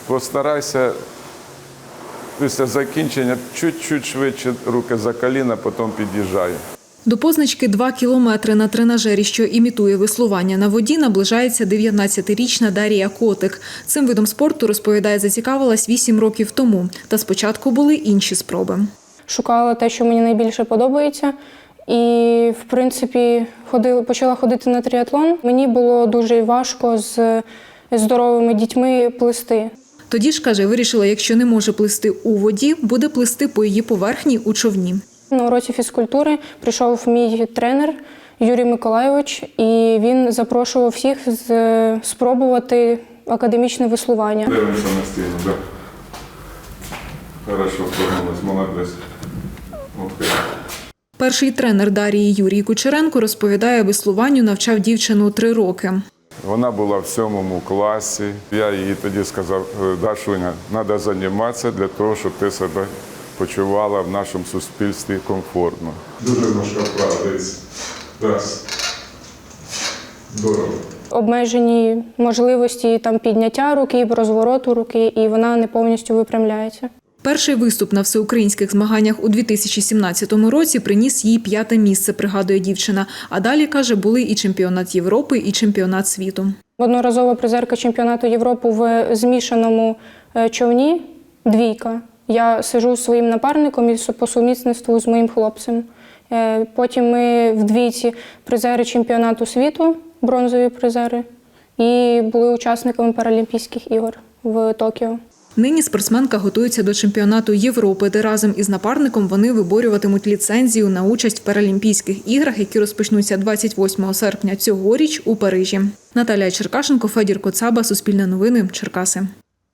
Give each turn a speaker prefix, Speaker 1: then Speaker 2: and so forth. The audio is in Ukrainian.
Speaker 1: Постарайся після закінчення чуть-чуть швидше руки за коліна, потім під'їжджай.
Speaker 2: До позначки 2 кілометри на тренажері, що імітує веслування на воді, наближається 19-річна Дарія Котик. Цим видом спорту, розповідає, зацікавилась 8 років тому. Та спочатку були інші спроби.
Speaker 3: Шукала те, що мені найбільше подобається. І, в принципі, почала ходити на триатлон. Мені було дуже важко з здоровими дітьми плисти.
Speaker 2: Тоді ж, каже, вирішила, якщо не може плисти у воді, буде плисти по її поверхні у човні.
Speaker 3: На уроці фізкультури прийшов мій тренер Юрій Миколайович, і він запрошував всіх спробувати академічне веслування.
Speaker 1: Дивимося на стіну, так. Хорошо, впевнилась, молодець. Окей.
Speaker 2: Перший тренер Дарії Юрій Кучеренко розповідає, веслуванню навчав дівчину 3 роки.
Speaker 1: Вона була в 7 класі. Я їй тоді сказав: Дашуня, треба займатися для того, щоб ти себе почувала в нашому суспільстві комфортно. Дуже важка вправа, дивіться. Раз. Здорово.
Speaker 3: Обмежені можливості підняття руки, розвороту руки, і вона не повністю випрямляється.
Speaker 2: Перший виступ на всеукраїнських змаганнях у 2017 році приніс їй 5-те місце, пригадує дівчина. А далі, каже, були і чемпіонат Європи, і чемпіонат світу.
Speaker 3: Одноразова призерка чемпіонату Європи в змішаному човні – 2. Я сиджу зі своїм напарником і по сумісництву з моїм хлопцем. Потім ми в 2 призери чемпіонату світу, бронзові призери, і були учасниками Паралімпійських ігор в Токіо.
Speaker 2: Нині спортсменка готується до чемпіонату Європи, де разом із напарником вони виборюватимуть ліцензію на участь в Паралімпійських іграх, які розпочнуться 28 серпня цьогоріч у Парижі. Наталія Черкашенко, Федір Коцаба, Суспільне новини, Черкаси.